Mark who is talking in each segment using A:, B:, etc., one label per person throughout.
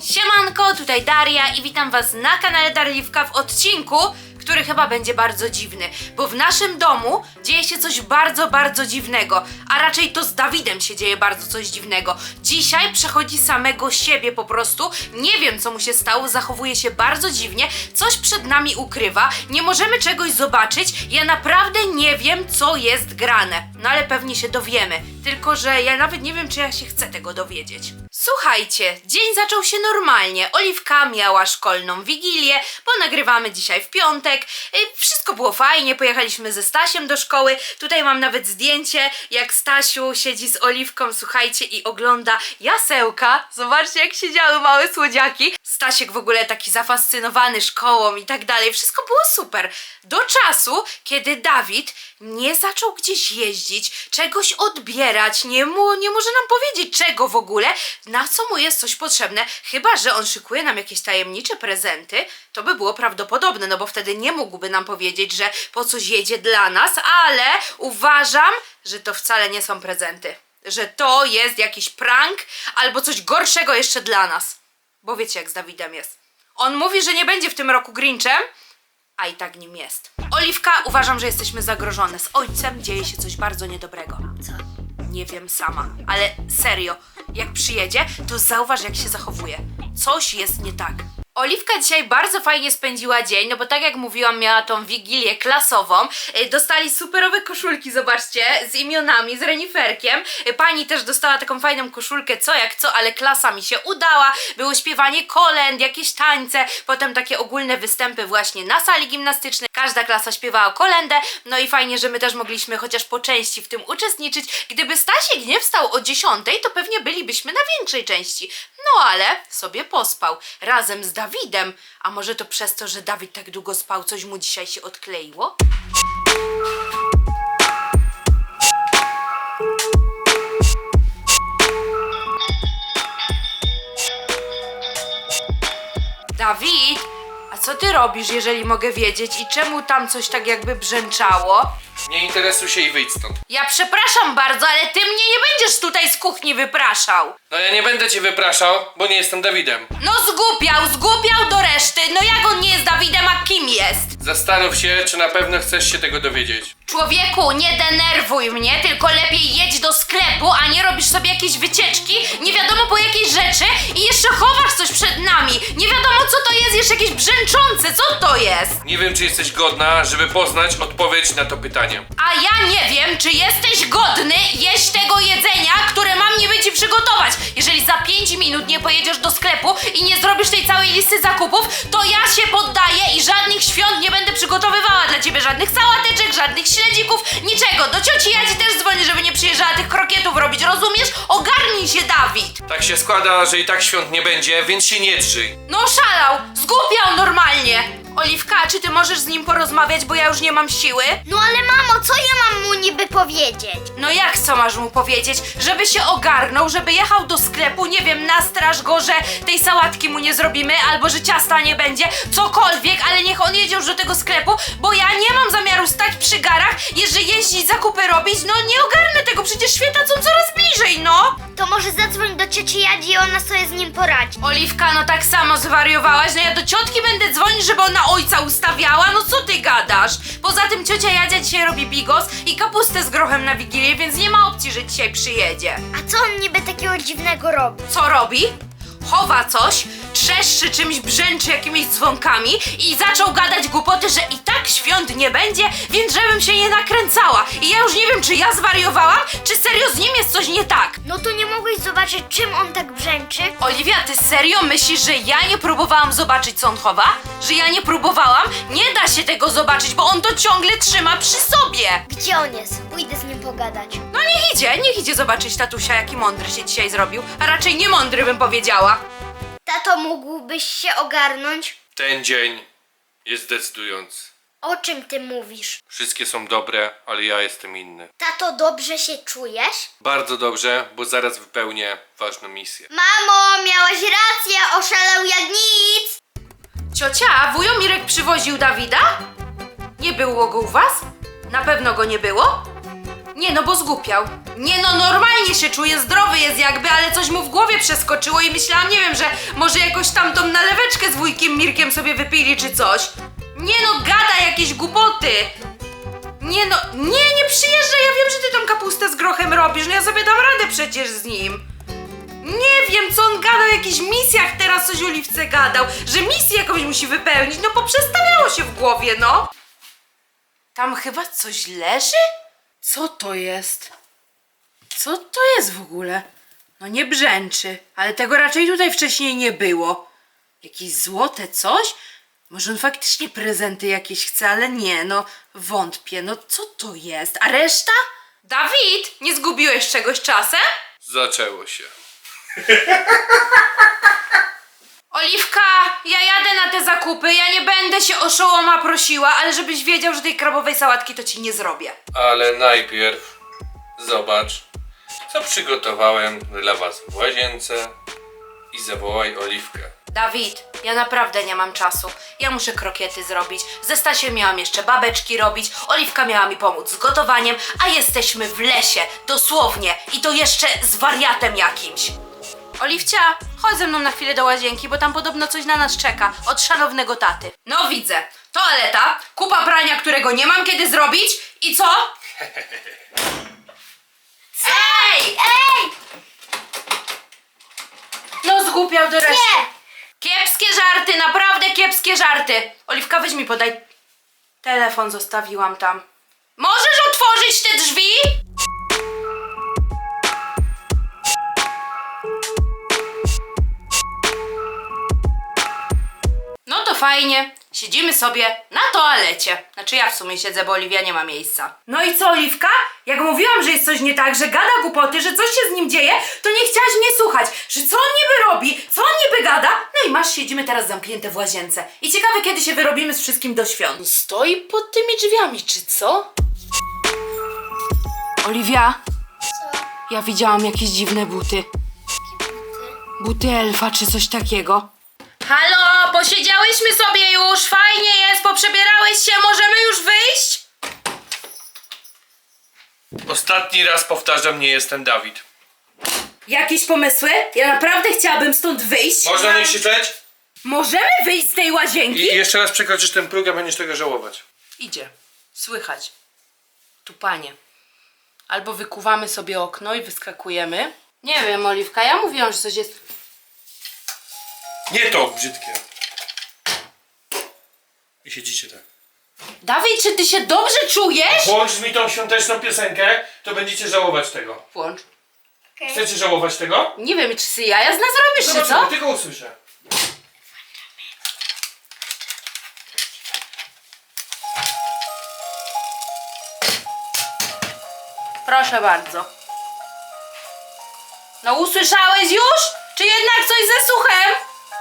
A: Siemanko, tutaj Daria i witam was na kanale Darliwka w odcinku, który chyba będzie bardzo dziwny, bo w naszym domu dzieje się coś bardzo dziwnego, a raczej to z Dawidem się dzieje bardzo coś dziwnego. Dzisiaj przechodzi samego siebie po prostu, nie wiem co mu się stało, zachowuje się bardzo dziwnie, coś przed nami ukrywa, nie możemy czegoś zobaczyć, ja naprawdę nie wiem co jest grane, no ale pewnie się dowiemy, tylko że ja nawet nie wiem czy ja się chcę tego dowiedzieć. Słuchajcie, dzień zaczął się normalnie, Oliwka miała szkolną wigilię, bo nagrywamy dzisiaj w piątek, wszystko było fajnie, pojechaliśmy ze Stasiem do szkoły, tutaj mam nawet zdjęcie, jak Stasiu siedzi z Oliwką, słuchajcie, i ogląda jasełka, zobaczcie jak siedziały małe słodziaki, Stasiek w ogóle taki zafascynowany szkołą i tak dalej, wszystko było super, do czasu, kiedy Dawid nie zaczął gdzieś jeździć, czegoś odbierać, nie może nam powiedzieć czego w ogóle, na co mu jest coś potrzebne, chyba że on szykuje nam jakieś tajemnicze prezenty, to by było prawdopodobne, no bo wtedy nie mógłby nam powiedzieć, że po coś jedzie dla nas, ale uważam, że to wcale nie są prezenty, że to jest jakiś prank albo coś gorszego jeszcze dla nas, bo wiecie jak z Dawidem jest. On mówi, że nie będzie w tym roku Grinchem, a i tak nim jest. Oliwka, uważam, że jesteśmy zagrożone. Z ojcem dzieje się coś bardzo niedobrego. Co? Nie wiem sama, ale serio, jak przyjedzie, to zauważ jak się zachowuje. Coś jest nie tak. Oliwka dzisiaj bardzo fajnie spędziła dzień, no bo tak jak mówiłam, miała tą wigilię klasową. Dostali superowe koszulki, zobaczcie, z imionami, z reniferkiem. Pani też dostała taką fajną koszulkę, co jak co, ale klasa mi się udała. Było śpiewanie kolęd, jakieś tańce, potem takie ogólne występy właśnie na sali gimnastycznej. Każda klasa śpiewała kolędę, no i fajnie, że my też mogliśmy chociaż po części w tym uczestniczyć. Gdyby Stasiek nie wstał o 10, to pewnie bylibyśmy na większej części. No ale sobie pospał razem z Dawidem. A może to przez to, że Dawid tak długo spał, coś mu dzisiaj się odkleiło? Dawid, a co ty robisz, jeżeli mogę wiedzieć? I czemu tam coś tak jakby brzęczało?
B: Nie interesuj się i wyjdź stąd.
A: Ja przepraszam bardzo, ale ty mnie nie będziesz tutaj z kuchni wypraszał.
B: No ja nie będę cię wypraszał, bo nie jestem Dawidem.
A: No zgłupiał do reszty. No jak on nie jest Dawidem, a kim jest?
B: Zastanów się, czy na pewno chcesz się tego dowiedzieć.
A: Człowieku, nie denerwuj mnie, tylko lepiej jedź do sklepu, a nie robisz sobie jakieś wycieczki, nie wiadomo po jakiej rzeczy i jeszcze chowasz coś przed nami. Nie wiadomo co to jest, jeszcze jakieś brzęczące, co to jest?
B: Nie wiem, czy jesteś godna, żeby poznać odpowiedź na to pytanie.
A: A ja nie wiem, czy jesteś godny jeść tego jedzenia, które mam niby ci przygotować. Jeżeli za 5 minut nie pojedziesz do sklepu i nie zrobisz tej całej listy zakupów, to ja się poddaję i żadnych świąt nie będę przygotowywała dla ciebie, żadnych sałateczek, żadnych śledzików, niczego. Do cioci Jadzi też dzwonię, żeby nie przyjeżdżała tych krokietów robić, rozumiesz? Ogarnij się, Dawid!
B: Tak się składa, że i tak świąt nie będzie, więc się nie drzyj.
A: No szalał, zgłupiał normalnie. Oliwka, czy ty możesz z nim porozmawiać, bo ja już nie mam siły?
C: No ale mamo, co ja mam mu niby powiedzieć?
A: No jak co masz mu powiedzieć? Żeby się ogarnął, żeby jechał do sklepu, nie wiem, nastraż go, że tej sałatki mu nie zrobimy, albo że ciasta nie będzie, cokolwiek, ale niech on jedzie już do tego sklepu, bo ja nie mam zamiaru stać przy garach, jeżeli jeździć, zakupy robić, no nie ogarnę tego, przecież święta są coraz bliżej, no!
C: To może zadzwoń do cioci Jadzi i ona sobie z nim poradzi.
A: Oliwka, no tak samo zwariowałaś, no ja do ciotki będę dzwonić, żeby ona ojca ustawiała, no co ty gadasz? Poza tym ciocia Jadzia dzisiaj robi bigos i kapustę z grochem na Wigilię, więc nie ma opcji, że dzisiaj przyjedzie.
C: A co on niby takiego dziwnego robi?
A: Co robi? Chowa coś, trzeszczy czymś, brzęczy jakimiś dzwonkami i zaczął gadać głupoty, że i tak świąt nie będzie, więc żebym się nie nakręcała. I ja już nie wiem, czy ja zwariowałam, czy serio z nim jest coś nie tak.
C: No to nie mogłeś zobaczyć, czym on tak brzęczy?
A: Oliwia, ty serio myślisz, że ja nie próbowałam zobaczyć, co on chowa? Że ja nie próbowałam? Nie da się tego zobaczyć, bo on to ciągle trzyma przy sobie.
C: Gdzie on jest? Pójdę z nim pogadać.
A: No niech idzie zobaczyć tatusia, jaki mądry się dzisiaj zrobił, a raczej nie mądry bym powiedziała.
C: Tato, mógłbyś się ogarnąć?
B: Ten dzień jest decydujący.
C: O czym ty mówisz?
B: Wszystkie są dobre, ale ja jestem inny.
C: Tato, dobrze się czujesz?
B: Bardzo dobrze, bo zaraz wypełnię ważną misję.
C: Mamo, miałaś rację, oszalał jak nic!
A: Ciocia, wujo Mirek przywoził Dawida? Nie było go u was? Na pewno go nie było? Nie, no bo zgłupiał. Nie no, normalnie się czuje, zdrowy jest jakby, ale coś mu w głowie przeskoczyło i myślałam, nie wiem, że może jakoś tam tą naleweczkę z wujkiem Mirkiem sobie wypili czy coś. Nie no, gada jakieś głupoty. Nie no, nie przyjeżdżaj, ja wiem, że ty tą kapustę z grochem robisz, no ja sobie dam radę przecież z nim. Nie wiem, co on gadał o jakichś misjach, teraz coś Oliwce gadał, że misję jakąś musi wypełnić, no poprzestawiało się w głowie, no. Tam chyba coś leży? Co to jest? Co to jest w ogóle? No nie brzęczy, ale tego raczej tutaj wcześniej nie było. Jakieś złote coś? Może on faktycznie prezenty jakieś chce, ale nie, no wątpię, no co to jest? A reszta? Dawid, nie zgubiłeś czegoś czasem?
B: Zaczęło się.
A: Oliwka, ja jadę na te zakupy, ja nie będę się oszołoma prosiła, ale żebyś wiedział, że tej krabowej sałatki to ci nie zrobię.
B: Ale najpierw zobacz, co przygotowałem dla was w łazience i zawołaj Oliwkę.
A: Dawid, ja naprawdę nie mam czasu. Ja muszę krokiety zrobić. Ze Stasiem miałam jeszcze babeczki robić. Oliwka miała mi pomóc z gotowaniem, a jesteśmy w lesie, dosłownie. I to jeszcze z wariatem jakimś. Oliwcia, chodź ze mną na chwilę do łazienki, bo tam podobno coś na nas czeka. Od szanownego taty. No widzę. Toaleta, kupa prania, którego nie mam kiedy zrobić. I co? Ej!
C: Ej!
A: No zgłupiał do reszty.
C: Nie!
A: Kiepskie żarty, naprawdę kiepskie żarty. Oliwka, weź mi podaj. Telefon zostawiłam tam. Możesz otworzyć te drzwi? No to fajnie. Siedzimy sobie na toalecie. Znaczy ja w sumie siedzę, bo Oliwia nie ma miejsca. No i co, Oliwka? Jak mówiłam, że jest coś nie tak, że gada głupoty, że coś się z nim dzieje, to nie chciałaś mnie słuchać. Że co on niby robi, co on niby gada? No i masz, siedzimy teraz zamknięte w łazience. I ciekawe, kiedy się wyrobimy z wszystkim do świąt. Stoi pod tymi drzwiami, czy co? Oliwia,
C: Co?
A: ja widziałam jakieś dziwne buty. Buty elfa, czy coś takiego. Halo, posiedziałyśmy sobie już, fajnie jest, poprzebierałeś się, możemy już wyjść?
B: Ostatni raz powtarzam, nie jestem Dawid.
A: Jakieś pomysły? Ja naprawdę chciałabym stąd wyjść.
B: Można nie krzyczeć?
A: Możemy wyjść z tej łazienki?
B: I jeszcze raz przekroczysz ten próg, a będziesz tego żałować.
A: Idzie. Słychać. Tu panie. Albo wykuwamy sobie okno i wyskakujemy. Nie wiem, Oliwka, ja mówiłam, że coś jest...
B: Nie to brzydkie. I siedzicie tak.
A: Dawid, czy ty się dobrze czujesz?
B: Włącz mi tą świąteczną piosenkę, to będziecie żałować tego.
A: Włącz.
C: Okej.
B: Chcecie żałować tego?
A: Nie wiem, czy ty jaja z nas robisz, czy
B: Zobaczymy,
A: co?
B: tylko usłyszę.
A: Proszę bardzo. No usłyszałeś już? Czy jednak coś ze słuchem?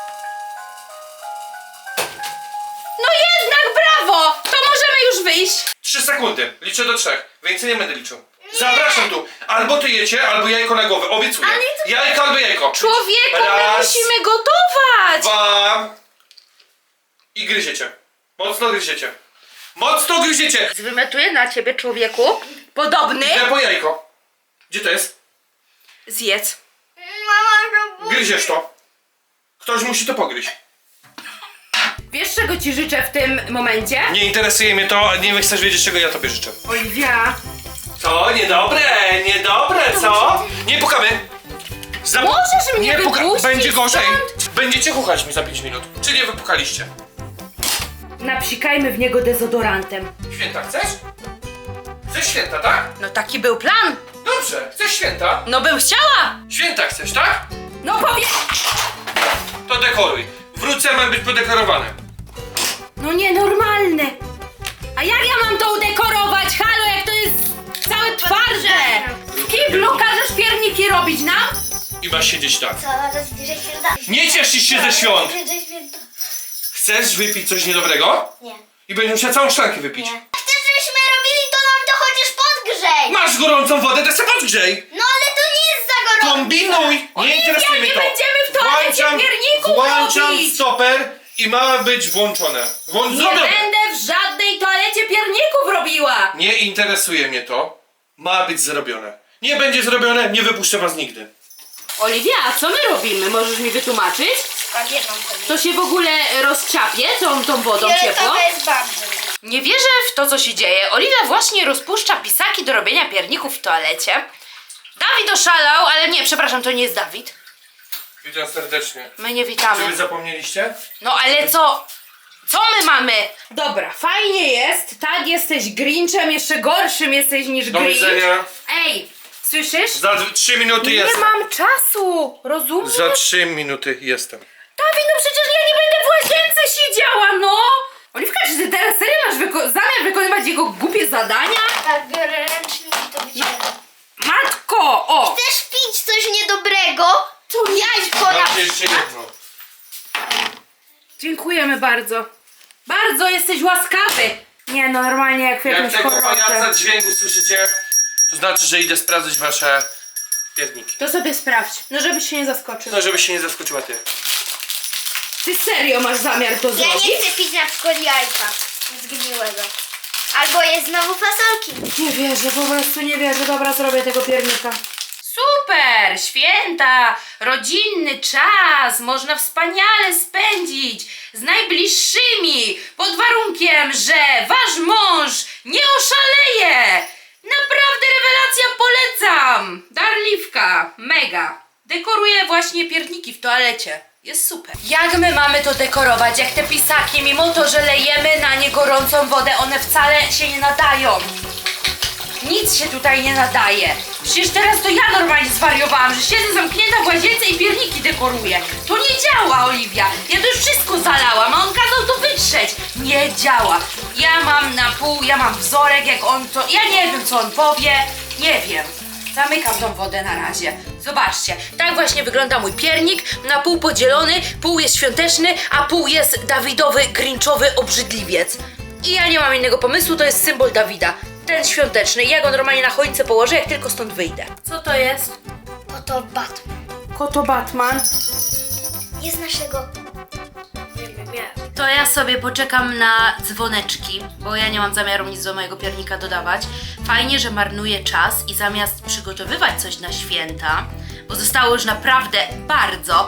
A: No jednak brawo! To możemy już wyjść.
B: 3 sekundy. Liczę do 3. Więcej nie będę liczył. Zapraszam tu. Albo ty jecie, albo jajko na głowę. Obiecuję.
C: Ale to-
B: Jajko albo jajko.
A: Człowieku, my
B: Raz,
A: musimy gotować!
B: 2 i gryziecie. Mocno gryziecie. Mocno gryziecie.
A: Zwymiotuję na ciebie, człowieku. Podobny.
B: Idę po jajko. Gdzie to jest?
A: Zjedz.
C: Mama robi.
B: Gryziesz to. Ktoś musi to pogryźć.
A: Wiesz, czego ci życzę w tym momencie?
B: Nie interesuje mnie to, nie chcesz wiedzieć, czego ja tobie życzę.
A: Oliwia.
B: Co? Niedobre, niedobre, co? Nie pukamy.
A: Możesz mnie wypuścić
B: Będzie gorzej.
A: stąd?
B: Będziecie chuchać mi za 5 minut. Czy nie wypukaliście?
A: Napsikajmy w niego dezodorantem.
B: Święta chcesz? Chcesz święta, tak?
A: No taki był plan.
B: Dobrze, chcesz święta?
A: No bym chciała.
B: Święta chcesz, tak?
A: No powie...
B: To dekoruj. Wrócę, mam być podekorowany.
A: No nienormalny. A jak ja mam to udekorować? Halo, jak to jest całe twarde. W kiblu każesz pierniki robić nam?
B: I masz siedzieć tak.
C: Co? To jest bliżej święta.
B: Nie cieszysz się ze świąt.
C: Bliżej święta.
B: Chcesz wypić coś niedobrego?
C: Nie.
B: I będziesz musiał całą szklankę wypić.
C: Nie. Chcesz, żebyśmy robili, to nam to chociaż podgrzej.
B: Masz gorącą wodę, to se podgrzej.
C: No ale to nie jest za gorąco.
B: Kombinuj! Nie interesuje mnie
A: nie
B: to.
A: będziemy w toalecie pierników
B: Włączam
A: robić.
B: stoper i ma być włączone.
A: Nie
B: Zrobione.
A: będę w żadnej toalecie pierników robiła.
B: Nie interesuje mnie to. Ma być zrobione. Nie będzie zrobione, nie wypuszczę was nigdy.
A: Oliwia, a co my robimy? Możesz mi wytłumaczyć?
C: Spagiettą
A: To się w ogóle rozczapie tą wodą ciepłą?
C: jest bardzo.
A: Nie wierzę w to, co się dzieje. Oliwia właśnie rozpuszcza pisaki do robienia pierników w toalecie. Dawid oszalał, ale nie, przepraszam, to nie jest Dawid.
B: Witam serdecznie.
A: My nie
B: Czy wy
A: witamy.
B: zapomnieliście?
A: No ale co? Co my mamy? Dobra, fajnie jest. Tak, jesteś Grinchem, jeszcze gorszym jesteś niż
B: Do
A: Grinch.
B: widzenia.
A: Ej, słyszysz?
B: Za 3 minuty
A: Nie
B: jestem.
A: mam czasu, rozumiesz?
B: Za 3 minuty jestem.
A: Dawid, no przecież ja nie będę w łazience siedziała, no! Oliwka, czy ty teraz serio masz zamiar wykonywać jego głupie zadania?
C: Tak, biorę ręcznik i to wyciągam.
A: Matko, o!
C: Chcesz pić coś niedobrego? To jajko na
B: Mam jeszcze jedno.
A: Dziękujemy bardzo. Bardzo jesteś łaskawy. Nie no, normalnie jak w
B: Jak
A: jakimś
B: tego
A: horrorze.
B: pajaca dźwięku słyszycie, to znaczy, że idę sprawdzić wasze pierniki.
A: To sobie sprawdź, no żebyś się nie zaskoczył.
B: No, żebyś się nie zaskoczyła ty.
A: Ty serio masz zamiar to
C: Ja
A: zrobić?
C: nie chcę pić na przykład jajka zgniłego. Albo jest znowu fasolki.
A: Nie wierzę, po prostu nie wierzę. Dobra, zrobię tego piernika. Super! Święta! Rodzinny czas! Można wspaniale spędzić z najbliższymi! Pod warunkiem, że wasz mąż nie oszaleje! Naprawdę rewelacja, polecam! Darliwka, mega! Dekoruję właśnie pierniki w toalecie. Jest super. Jak my mamy to dekorować? Jak te pisaki, mimo to, że lejemy na nie gorącą wodę, one wcale się nie nadają. Nic się tutaj nie nadaje. Przecież teraz to ja normalnie zwariowałam, że siedzę zamknięta w łazience i pierniki dekoruję. To nie działa, Oliwia. Ja to już wszystko zalałam, a on kazał to wytrzeć. Nie działa. Ja mam na pół, ja mam wzorek, jak on to... Ja nie wiem, co on powie. Nie wiem. Zamykam tą wodę na razie. Zobaczcie, tak właśnie wygląda mój piernik. Na pół podzielony, pół jest świąteczny, a pół jest Dawidowy, grinchowy obrzydliwiec. I ja nie mam innego pomysłu, to jest symbol Dawida. Ten świąteczny. Ja go normalnie na choince położę, jak tylko stąd wyjdę. Co to jest?
C: Oto Batman.
A: Koto Batman.
C: Nie znasz tego? Nie.
A: To ja sobie poczekam na dzwoneczki, bo ja nie mam zamiaru nic do mojego piernika dodawać. Fajnie, że marnuję czas i zamiast przygotowywać coś na święta, bo zostało już naprawdę bardzo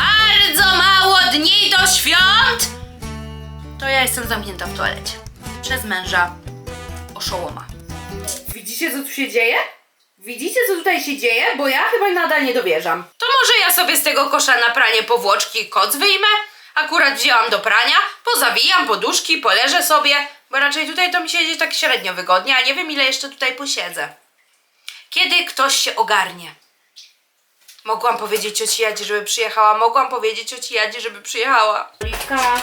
A: mało dni do świąt, to ja jestem zamknięta w toalecie. Przez męża oszołoma. Widzicie, co tu się dzieje? Widzicie, co tutaj się dzieje? Bo ja chyba nadal nie dowierzam. To może ja sobie z tego kosza na pranie powłoczki i koc wyjmę? Akurat wzięłam do prania, pozawijam poduszki, poleżę sobie, bo raczej tutaj to mi siedzi tak średnio wygodnie, a nie wiem, ile jeszcze tutaj posiedzę. Kiedy ktoś się ogarnie? Mogłam powiedzieć cioci Jadzi, żeby przyjechała, mogłam powiedzieć cioci Jadzi, żeby przyjechała. Oliwka.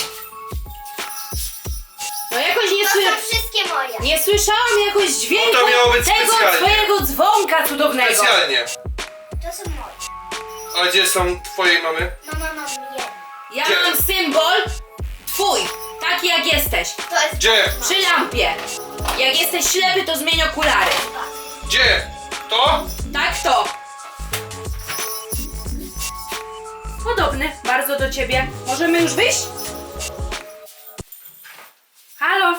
A: No jakoś nie
C: To są wszystkie moje.
A: Nie słyszałam jakoś dźwięku
B: No to miało być
A: tego
B: specjalnie.
A: twojego dzwonka cudownego.
B: Specjalnie.
C: To są moje.
B: A gdzie są twojej mamy?
C: Mama mam jedno.
A: Ja
B: Gdzie?
A: mam symbol twój, taki jak jesteś.
C: To jest
B: Gdzie?
A: Przy lampie. Jak jesteś ślepy, to zmień okulary.
B: Gdzie? To?
A: Tak to. Podobny bardzo do ciebie. Możemy już wyjść? Halo?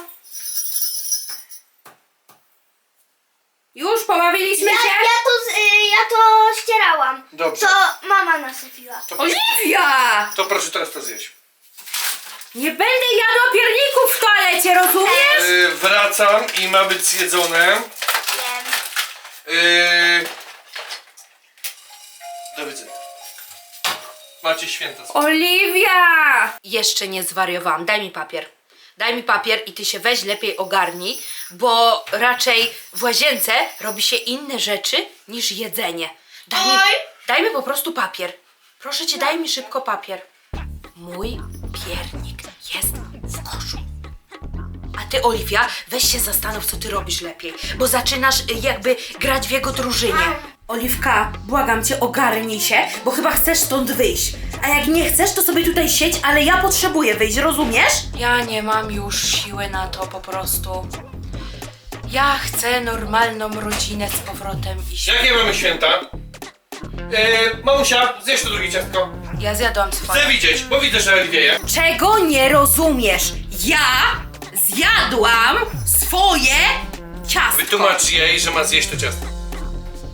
A: Już pobawiliśmy się?
C: Ja to ścierałam.
B: Dobrze.
C: To mama nasypiła.
A: Oliwia!
B: To proszę teraz to zjeść.
A: Nie będę jadła pierników w toalecie, rozumiesz?
B: Wracam i ma być zjedzone.
C: Wiem.
B: Do widzenia. Macie święta.
A: Oliwia! Jeszcze nie zwariowałam. Daj mi papier. Daj mi papier i ty się weź lepiej ogarnij, bo raczej w łazience robi się inne rzeczy niż jedzenie. Daj mi po prostu papier. Proszę cię, daj mi szybko papier. Mój piernik jest w koszu. A ty, Oliwia, weź się zastanów, co ty robisz lepiej, bo zaczynasz jakby grać w jego drużynie. Oliwka, błagam cię, ogarnij się, bo chyba chcesz stąd wyjść. A jak nie chcesz, to sobie tutaj siedź, ale ja potrzebuję wyjść, rozumiesz? Ja nie mam już siły na to po prostu. Ja chcę normalną rodzinę z powrotem iść.
B: Jakie mamy święta? Mamusia, zjesz to drugie ciastko.
A: Ja zjadłam swoje.
B: Chcę widzieć, bo widzę, że wieje.
A: Czego nie rozumiesz? Ja zjadłam swoje ciastko.
B: Wytłumacz jej, że ma zjeść to ciastko.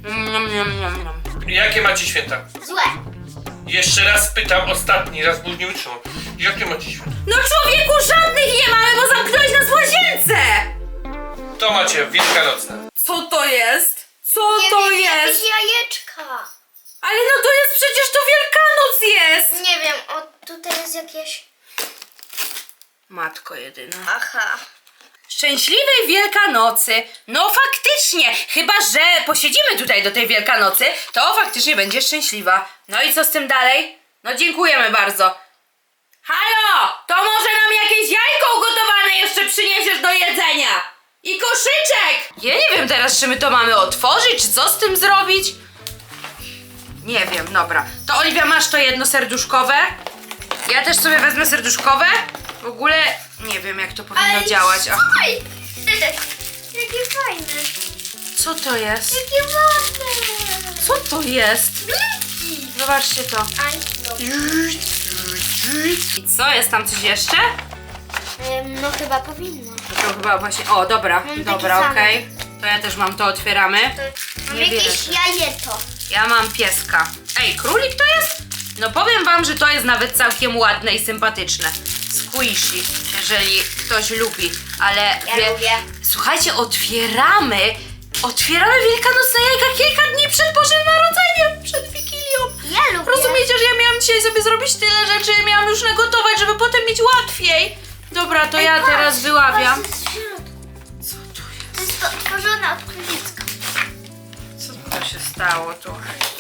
B: Jakie macie święta?
C: Złe.
B: Jeszcze raz pytam, ostatni raz, bo już nie wytrzymam. Jakie macie święta?
A: No człowieku, żadnych nie mamy, bo zamknąłeś nas w łazience!
B: To macie wielkanocne.
A: Co to jest? Co to jest?
C: Jakieś jajeczka.
A: Ale no to jest przecież to Wielkanoc jest!
C: Nie wiem, o tutaj jest jakieś...
A: Matko jedyna.
C: Aha.
A: Szczęśliwej Wielkanocy! No faktycznie! Chyba, że posiedzimy tutaj do tej Wielkanocy, to faktycznie będzie szczęśliwa. No i co z tym dalej? No dziękujemy bardzo. Halo! To może nam jakieś jajko ugotowane jeszcze przyniesiesz do jedzenia? I koszyczek! Ja nie wiem teraz, czy my to mamy otworzyć, czy co z tym zrobić? Nie wiem, dobra. To Oliwia, masz to jedno serduszkowe. Ja też sobie wezmę serduszkowe. W ogóle nie wiem, jak to powinno działać. Ach,
C: Oj! Jakie fajne.
A: co to jest?
C: Jakie ładne.
A: Co to jest? Zobaczcie to.
C: Aj, dobra.
A: I co? Jest tam coś jeszcze?
C: No chyba powinno.
A: To chyba właśnie... O, dobra,
C: Mam
A: dobra,
C: takie
A: okej. To ja też mam to, otwieramy.
C: Mam
A: Nie
C: jakieś
A: wierzę.
C: jajeto.
A: Ja mam pieska. Ej, królik to jest? No powiem wam, że to jest nawet całkiem ładne i sympatyczne. Squishy, jeżeli ktoś lubi, ale...
C: Ja lubię.
A: Słuchajcie, otwieramy wielkanocne jajka kilka dni przed Bożym Narodzeniem, przed Wigilią.
C: Ja lubię.
A: Rozumiecie, że ja miałam dzisiaj sobie zrobić tyle rzeczy, miałam już nagotować, żeby potem mieć łatwiej. Dobra, to ja
C: Patrz,
A: teraz wyławiam.
C: patrz, co jest w środku.
A: Co to jest?
C: To jest to tworzone od królicka.
A: Co to się stało tu?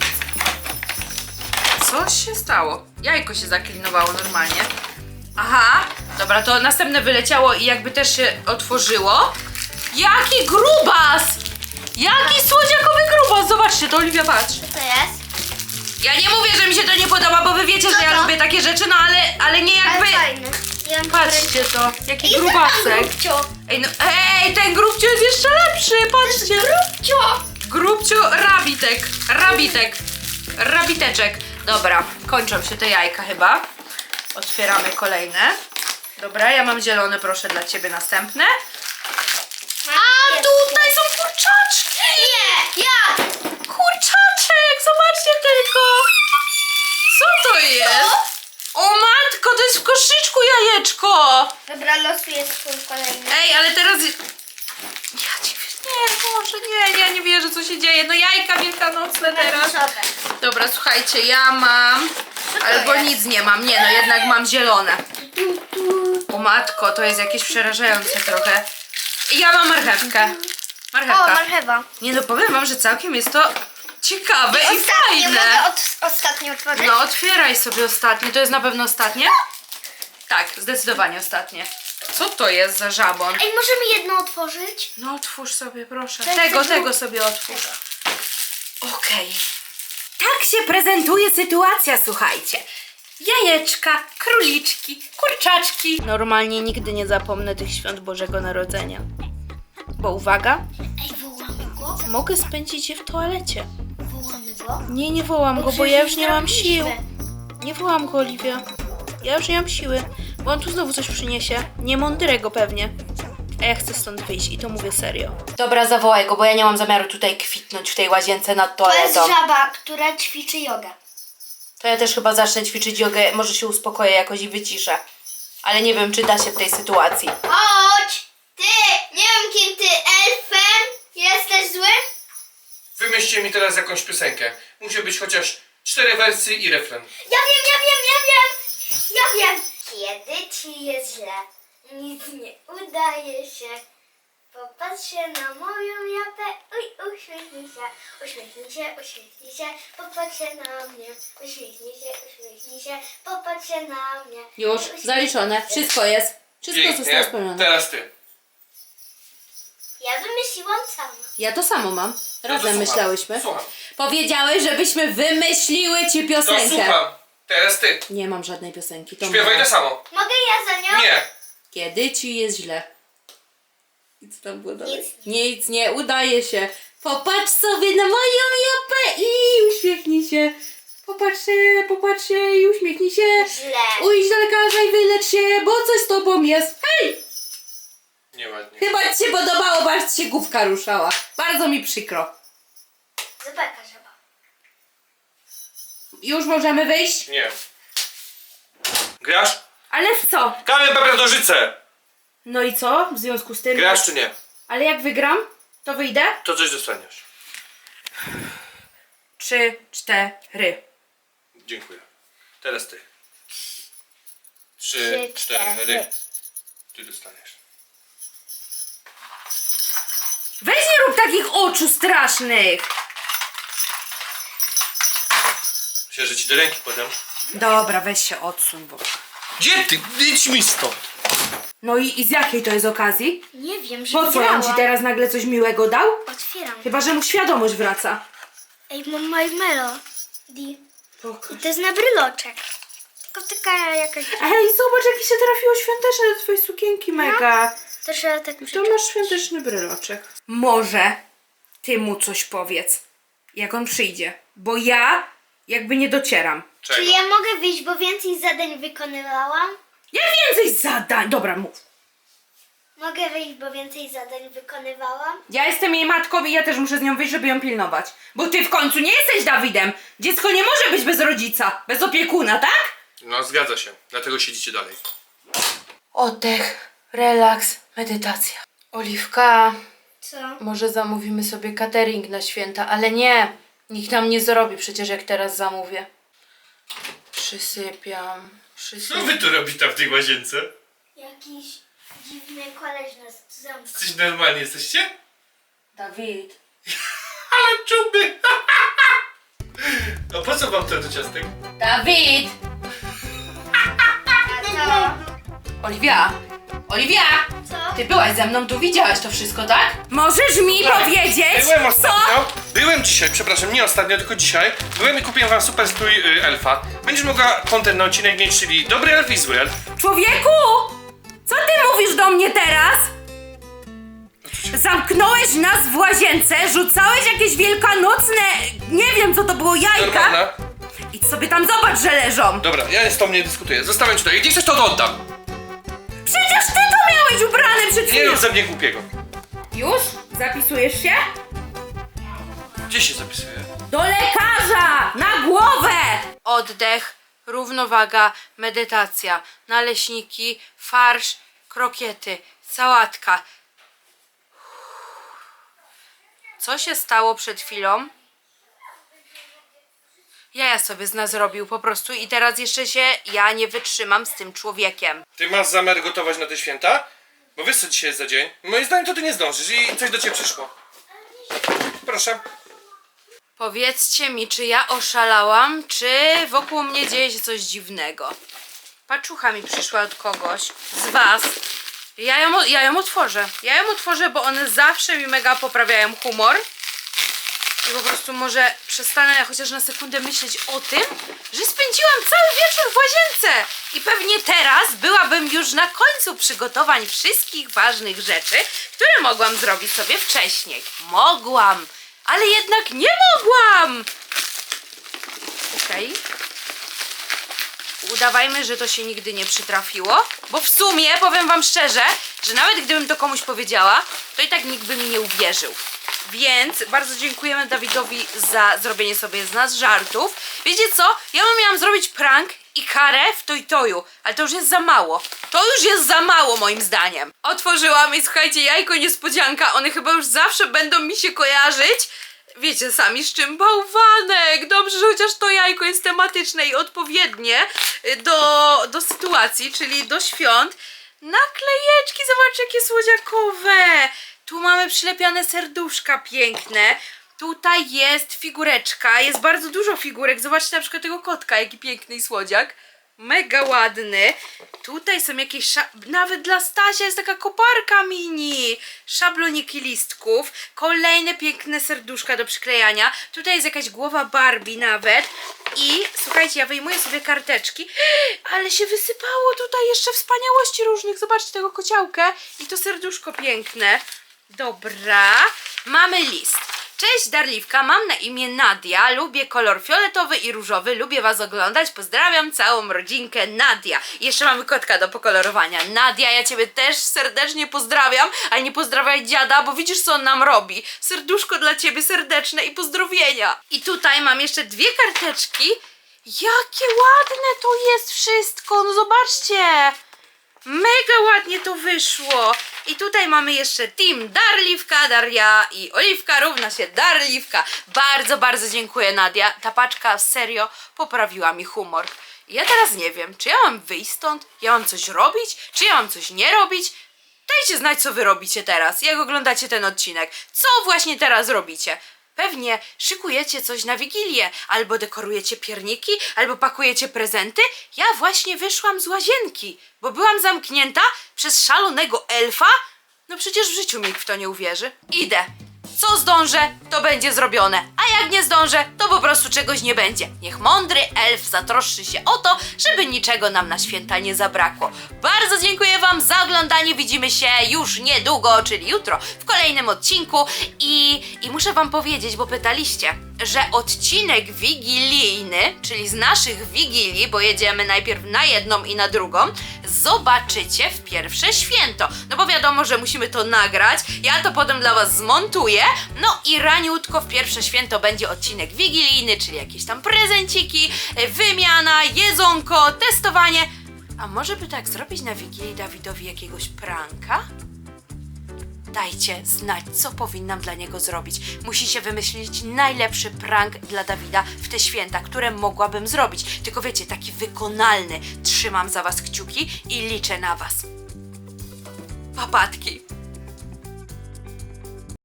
A: Coś się stało. Jajko się zaklinowało normalnie. Aha, dobra, to następne wyleciało i jakby też się otworzyło. Jaki grubas! Jaki słodziakowy grubas! Zobaczcie, to Oliwia, patrz.
C: Co to jest?
A: Ja nie mówię, że mi się to nie podoba, bo wy wiecie, że ja
C: to?
A: lubię takie rzeczy, no ale nie jakby...
C: Ale fajne. Ja mam
A: Patrzcie to, jaki
C: I
A: grubasek.
C: grubcio.
A: Ej, no, ej, ten grubcio jest jeszcze lepszy, patrzcie.
C: Grubcio.
A: Grubcio, rabiteczek. Dobra, kończą się te jajka chyba. Otwieramy kolejne. Dobra, ja mam zielone, proszę, dla ciebie następne. A tutaj są kurczaczki!
C: Nie, ja.
A: Kurczaczek, zobaczcie tylko. Co to jest? O matko, to jest w koszyczku jajeczko.
C: Dobra, losuję swój kolejny.
A: Ej, ale teraz... Ja ci... Nie, Boże, nie, ja nie wierzę, co się dzieje. No jajka wielkanocne teraz.
C: Losowe.
A: Dobra, słuchajcie, ja mam...
C: to
A: Albo
C: jest?
A: nic nie mam. Nie, no jednak mam zielone. O matko, to jest jakieś przerażające trochę. I ja mam marchewkę.
C: O,
A: Marchewka.
C: marchewa.
A: Nie no, powiem wam, że całkiem jest to ciekawe i
C: Ostatnie,
A: fajne.
C: mogę ostatnio otworzyć?
A: No, otwieraj sobie ostatnie. To jest na pewno ostatnie? Tak, zdecydowanie ostatnie. Co to jest za żabon?
C: Ej, możemy jedno otworzyć?
A: No otwórz sobie, proszę.
C: To
A: Tego
C: jest
A: sobie otwórz. Okej. Tak się prezentuje sytuacja, słuchajcie. Jajeczka, króliczki, kurczaczki. Normalnie nigdy nie zapomnę tych świąt Bożego Narodzenia. Bo uwaga,
C: Ej, wołamy go?
A: mogę spędzić je w toalecie.
C: Wołamy go?
A: Nie wołam go, bo ja już nie mam sił. Nie wołam go, Oliwia. Ja już nie mam siły, bo on tu znowu coś przyniesie. Niemądrego pewnie. A ja chcę stąd wyjść i to mówię serio. Dobra, zawołaj go, bo ja nie mam zamiaru tutaj kwitnąć w tej łazience nad
C: To jest
A: toaletą.
C: żaba, która ćwiczy jogę.
A: To ja też chyba zacznę ćwiczyć jogę, może się uspokoję jakoś i wyciszę. Ale nie wiem, czy da się w tej sytuacji.
C: Chodź! Ty! Nie wiem, kim ty, elfem? Jesteś zły?
B: Wymyślcie mi teraz jakąś piosenkę. Musi być chociaż 4 wersy i refren.
C: Ja wiem! Kiedy ci jest źle, nic nie udaje się. Popatrz się na moją japę, uśmiechnij się, popatrz się na mnie. Uśmiechnij się, popatrz się na mnie.
A: Już, zaliczone. Wszystko jest. Wszystko zostało
B: Pięknie.
A: spełnione.
B: Teraz ty.
C: Ja wymyśliłam sama.
A: Ja to samo mam.
B: No
A: Razem
B: to słucham.
A: myślałyśmy.
B: Słucham.
A: Powiedziałeś, żebyśmy wymyśliły ci
B: To
A: piosenkę.
B: słucham. Teraz ty.
A: Nie mam żadnej piosenki. To
B: Śpiewaj
A: moja.
B: to samo.
C: Mogę ja za nią?
B: Nie.
A: Kiedy ci jest źle. I co tam było dalej?
C: Nic.
A: Nic nie udaje się. Popatrz sobie na moją japę i uśmiechnij się. Popatrz się i uśmiechnij się.
C: Źle.
A: Ujdź do lekarza i wylecz się, bo coś z tobą jest. Hej!
B: Nieładnie.
A: Chyba ci się podobało, bo aż ci się główka ruszała. Bardzo mi przykro.
C: Beka żaba.
A: Już możemy wyjść?
B: Nie. Grasz?
A: Ale w co?
B: Kamień, papier, nożyce!
A: No i co w związku z tym?
B: Grasz czy nie?
A: Ale jak wygram, to wyjdę?
B: To coś dostaniesz.
A: 3, 4.
B: Dziękuję. Teraz ty. 3,
C: Trzy,
B: 4.
C: cztery.
B: Ty dostaniesz.
A: Weź nie rób takich oczu strasznych!
B: Myślę, że ci do ręki podam.
A: Dobra, weź się odsuń, bo...
B: Gdzie ty? Idź mi stąd!
A: No i z jakiej to jest okazji?
C: Nie wiem, że
A: Po co on ci
C: wygrałam.
A: teraz nagle coś miłego dał?
C: Otwieram.
A: Chyba, że mu świadomość wraca.
C: Ej, mam My Melody.
A: Pokaż.
C: I to jest na bryloczek. Tylko taka jakaś...
A: Ej, zobacz, jakie się trafiło świąteczne do twojej sukienki, mega.
C: To trzeba tak
A: To
C: przyczepić.
A: masz świąteczny bryloczek. Może ty mu coś powiedz, jak on przyjdzie. Bo ja jakby nie docieram.
C: Czy
B: Czego?
C: ja mogę wyjść, bo więcej zadań wykonywałam?
A: Ja więcej zadań. Dobra, mów.
C: Mogę wyjść, bo więcej zadań wykonywałam?
A: Ja jestem jej matką i ja też muszę z nią wyjść, żeby ją pilnować. Bo ty w końcu nie jesteś Dawidem. Dziecko nie może być bez rodzica, bez opiekuna, tak?
B: No zgadza się. Dlatego siedzicie dalej.
A: Oddech, relaks, medytacja. Oliwka,
C: Co?
A: może zamówimy sobie catering na święta, ale nie. Nikt nam nie zrobi przecież, jak teraz zamówię. Przysypiam.
B: Co wy tu robicie tam w tej łazience?
C: Jakiś dziwny koleś nas zamknął.
B: Jesteś normalni jesteście?
A: Dawid.
B: Ale czuby! A po co wam to do ciastek?
A: Dawid!
C: Co?
A: Oliwia! Oliwia!
C: Co?
A: Ty byłaś ze mną, tu widziałaś to wszystko, tak? Możesz mi powiedzieć,
B: Byłem
A: co?
B: ostatnio. Byłem dzisiaj, przepraszam, nie ostatnio, tylko dzisiaj. Byłem i kupiłem wam super strój elfa. Będziesz mogła content na odcinek mieć, czyli dobry elf i zły elf.
A: Człowieku! Co ty mówisz do mnie teraz? Zamknąłeś nas w łazience, rzucałeś jakieś wielkanocne, nie wiem co to było, jajka.
B: Normalna.
A: Idź sobie tam zobacz, że leżą.
B: Dobra, ja z tą nie dyskutuję. Zostawiam ci to. Jak nie chcesz, to oddam.
A: Przecież ty to miałeś ubrane przed
B: Nie
A: chwilą.
B: rób ze mnie głupiego.
A: Już? Zapisujesz się?
B: Gdzie się zapisuje?
A: Do lekarza! Na głowę! Oddech, równowaga, medytacja, naleśniki, farsz, krokiety, sałatka. Co się stało przed chwilą? Jaja sobie z nas zrobił po prostu i teraz jeszcze ja nie wytrzymam z tym człowiekiem.
B: Ty masz zamiar gotować na te święta? Bo wiesz co dzisiaj jest za dzień? Moim zdaniem to ty nie zdążysz i coś do ciebie przyszło. Proszę.
A: Powiedzcie mi, czy ja oszalałam, czy wokół mnie dzieje się coś dziwnego. Paczucha mi przyszła od kogoś z was. Ja ją otworzę. Ja ją otworzę, bo one zawsze mi mega poprawiają humor. I po prostu może przestanę chociaż na sekundę myśleć o tym, że spędziłam cały wieczór w łazience. I pewnie teraz byłabym już na końcu przygotowań wszystkich ważnych rzeczy, które mogłam zrobić sobie wcześniej. Mogłam, ale jednak nie mogłam. Okej. Udawajmy, że to się nigdy nie przytrafiło, bo w sumie powiem wam szczerze, że nawet gdybym to komuś powiedziała, to i tak nikt by mi nie uwierzył. Więc bardzo dziękujemy Dawidowi za zrobienie sobie z nas żartów. Wiecie co? Ja miałam zrobić prank i karę w Toju, ale to już jest za mało. To już jest za mało moim zdaniem. Otworzyłam i słuchajcie, jajko niespodzianka, one chyba już zawsze będą mi się kojarzyć. Wiecie sami z czym? Bałwanek! Dobrze, że chociaż to jajko jest tematyczne i odpowiednie do sytuacji, czyli do świąt. Naklejeczki, zobaczcie jakie słodziakowe! Tu mamy przylepiane serduszka piękne. Tutaj jest figureczka, jest bardzo dużo figurek. Zobaczcie na przykład tego kotka, jaki piękny i słodziak. Mega ładny. Tutaj są jakieś, nawet dla Stasia jest taka koparka mini. Szabloniki listków. Kolejne piękne serduszka do przyklejania. Tutaj jest jakaś głowa Barbie nawet. I słuchajcie, ja wyjmuję sobie karteczki. Ale się wysypało tutaj jeszcze wspaniałości różnych. Zobaczcie tego kociołkę. I to serduszko piękne. Dobra. Mamy list. Cześć Darliwka, mam na imię Nadia, lubię kolor fioletowy i różowy, lubię was oglądać, pozdrawiam całą rodzinkę Nadia. I jeszcze mamy kotka do pokolorowania. Nadia, ja ciebie też serdecznie pozdrawiam, ale nie pozdrawiaj dziada, bo widzisz co on nam robi. Serduszko dla ciebie serdeczne i pozdrowienia. I tutaj mam jeszcze 2 karteczki. Jakie ładne to jest wszystko, no zobaczcie. Mega ładnie to wyszło. I tutaj mamy jeszcze team Darliwka, Daria i Oliwka równa się Darliwka. Bardzo, bardzo dziękuję Nadia. Ta paczka serio poprawiła mi humor. Ja teraz nie wiem, czy ja mam wyjść stąd? Ja mam coś robić? Czy ja mam coś nie robić? Dajcie znać, co wy robicie teraz, jak oglądacie ten odcinek. Co właśnie teraz robicie? Pewnie szykujecie coś na Wigilię, albo dekorujecie pierniki, albo pakujecie prezenty. Ja właśnie wyszłam z łazienki, bo byłam zamknięta przez szalonego elfa. No przecież w życiu nikt w to nie uwierzy. Idę. Co zdążę, to będzie zrobione, a jak nie zdążę, to po prostu czegoś nie będzie. Niech mądry elf zatroszczy się o to, żeby niczego nam na święta nie zabrakło. Bardzo dziękuję wam za oglądanie, widzimy się już niedługo, czyli jutro, w kolejnym odcinku i muszę wam powiedzieć, bo pytaliście, że odcinek wigilijny, czyli z naszych wigilii, bo jedziemy najpierw na jedną i na drugą, zobaczycie w pierwsze święto. No bo wiadomo, że musimy to nagrać, ja to potem dla was zmontuję, no i raniutko w pierwsze święto będzie odcinek wigilijny, czyli jakieś tam prezenciki, wymiana, jedzonko, testowanie. A może by tak zrobić na Wigilii Dawidowi jakiegoś pranka? Dajcie znać, co powinnam dla niego zrobić. Musicie wymyślić najlepszy prank dla Dawida w te święta, które mogłabym zrobić. Tylko wiecie, taki wykonalny. Trzymam za was kciuki i liczę na was. Papatki.